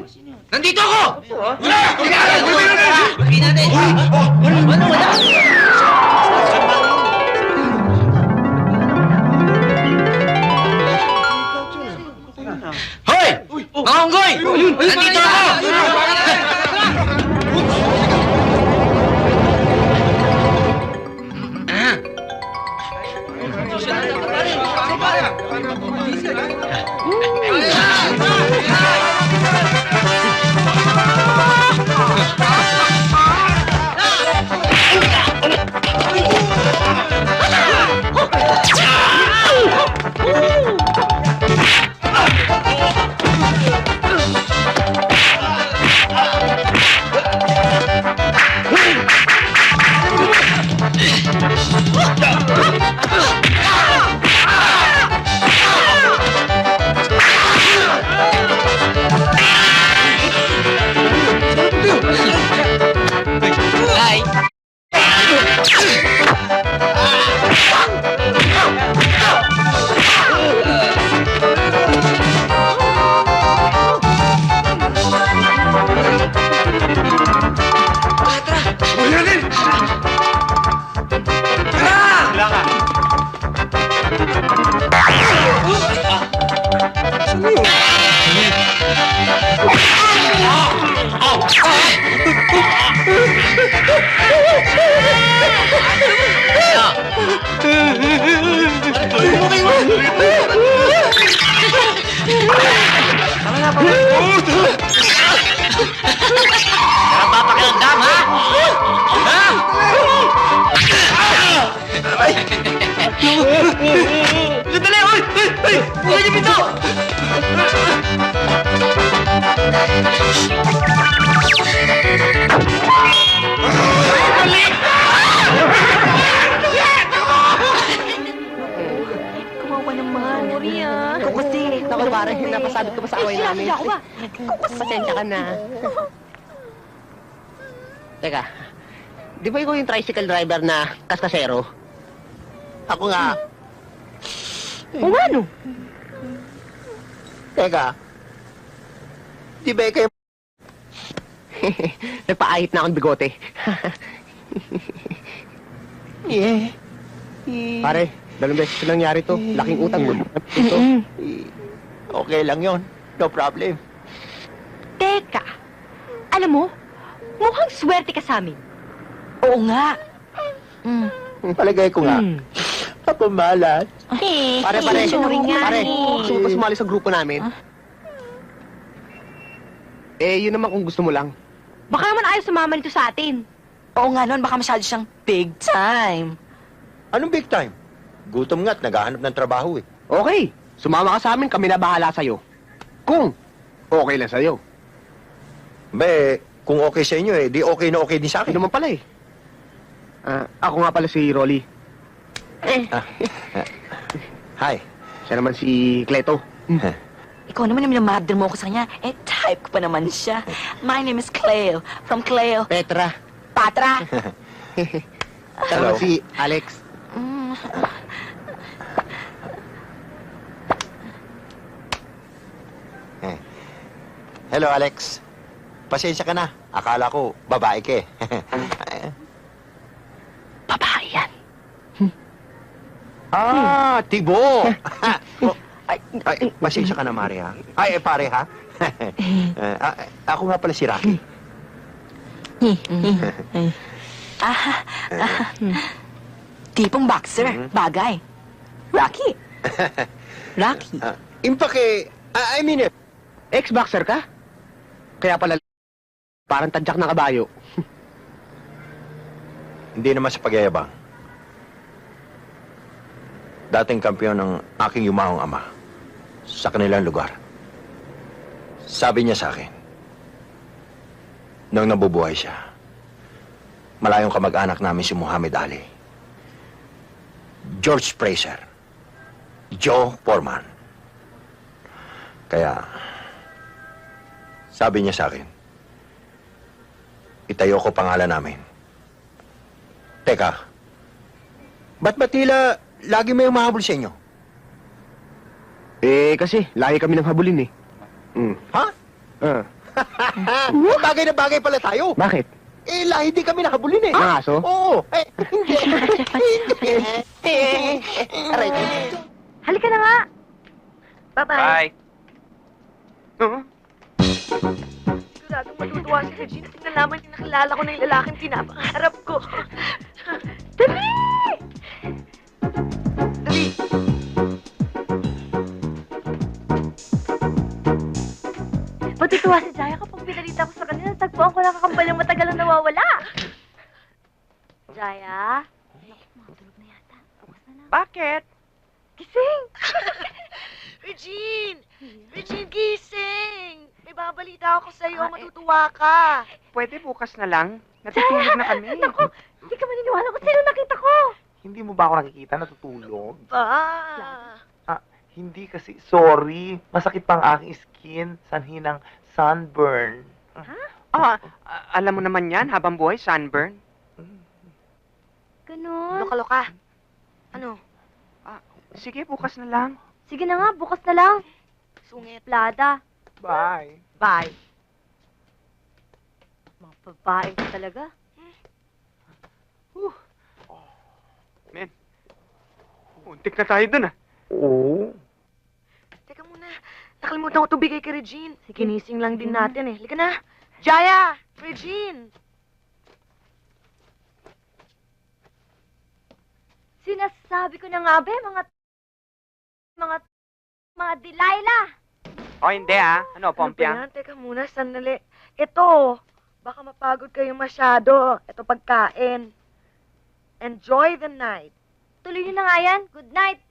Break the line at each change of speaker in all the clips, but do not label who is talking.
Nandito ako!
Wala!
Bakit natin? Ano, wala? Hoy! Mga unggoy! Nandito ako! Napapakiramdam, ha? Ha? Sandali! Uy! Bukan niyo pinto!
Kawawa naman. Ikaw kasi.
Naku, pare, napasabit ka pa sa away namin.
Ako ba?
Pasensya ka na. Teka, di ba ikaw yung tricycle driver na kaskasero? Ako nga.
O nga, no?
Teka, di ba ikaw yung... Nagpaahit na akong bigote.
Yeah.
Pare, dalawang beses na nangyari to. Laking utang mo. Ito.
Okay lang yon. No problem.
Teka, alam mo, mukhang swerte ka sa amin. Oo nga.
Palagay ko nga. Kapamalat.
Pare,
Sorry nga.
Pare, gusto mo pa sumali sa grupo namin? Eh, yun naman kung gusto mo lang.
Baka naman ayaw sumama nito sa atin.
Oo nga noon, baka masyado siyang big time.
Anong big time? Gutom nga't naghahanap ng trabaho eh.
Okay, sumama ka sa amin, kami na bahala sa'yo. Kung okay lang sa'yo.
Be, kung okay sa inyo eh, di okay na okay din sa
Ako
akin.
naman pala eh. Ako nga pala si Rolly.
Hi.
Siya naman si Cleto.
Ikaw naman yung minamabder mo ako sa kanya. Eh, type ko pa naman siya. My name is Cleo. From Cleo.
Petra.
Patra.
Siya
Hello.
naman si Alex.
Hello, Alex. Pasensya ka na. Akala ko, babae ka eh.
Babae yan.
Tibo! ay, pasensya ka na, Mari, ha? Ay, pare, ha? Ako nga pala si Rocky.
Tipong boxer. Bagay. Rocky. Rocky.
Impake, I mean,
Ex-boxer ka? Kaya pala parang tadyak ng kabayo.
hindi naman sa pagyayabang. Dating kampiyon ng aking yumahong ama sa kanilang lugar. Sabi niya sa akin, nung nabubuhay siya, malayong kamag-anak namin si Muhammad Ali, George Fraser, Joe Foreman. Kaya, sabi niya sa akin, itayo ko pangalan namin. Teka, ba't ba tila lagi may umahabol sa inyo?
Eh, kasi lagi kami nang habulin eh.
Ha? Bagay na bagay pala tayo.
Bakit?
Eh, lahi di kami nakabulineh.
Ng aso?
Oo. Eh, hindi.
Aray.
Halika na nga. Bye-bye.
Bye. Huh?
Siguradong matutuwa si Regine kasi nalaman niya nakilala ko na yung lalaking pinapangarap ko. Dali! Dali! Matutuwa si Jaya kapag pinalita ko sa kanila. Tagpuan ko lang kakambal yung matagal ang nawawala. Jaya? Matulog na yata. Bukas na lang.
Bakit?
Gising! Regine! Regine, gising! May babalita ako sa'yo. Matutuwa ka.
Pwede bukas na lang. Natutulog na kami.
Naku, hindi ka maniniwala kung sino nakita ko.
Hindi mo ba ako nakikita natutulog?
Ba?
Hindi kasi, sorry. Masakit pa ang aking skin. Sanhi ng sunburn.
Alam mo naman yan, habang buhay, sunburn.
Ganun. Loka-loka. Ano?
Sige, bukas na lang.
Sige na nga, bukas na lang. Sungit. Plada.
Bye.
Bye. Mga babae ka talaga.
Men, untik na tayo dun ah.
Oo.
Teka muna, nakalimutan ko ito bigay kay Regine. Kinising lang din natin eh. Halika na. Jaya! Regine! Sinasabi ko na nga ba, mga Delilah!
O hindi ah. Ano, Pompya?
Ano ba yan? Teka muna, sandali. Ito, baka mapagod kayo masyado. Ito pagkain. Enjoy the night. Tuloy niyo na nga yan. Good night.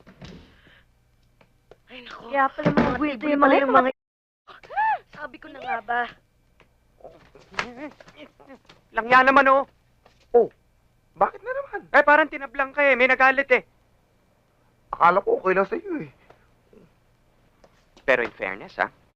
Ay, naku. Kaya pala mga weirdo yung mga... Sabi ko na nga ba.
Langya naman oh.
Bakit na naman?
Eh, parang tinablang ka eh. May nagalit eh.
Akala ko okay lang sa'yo eh.
Pero in fairness ah,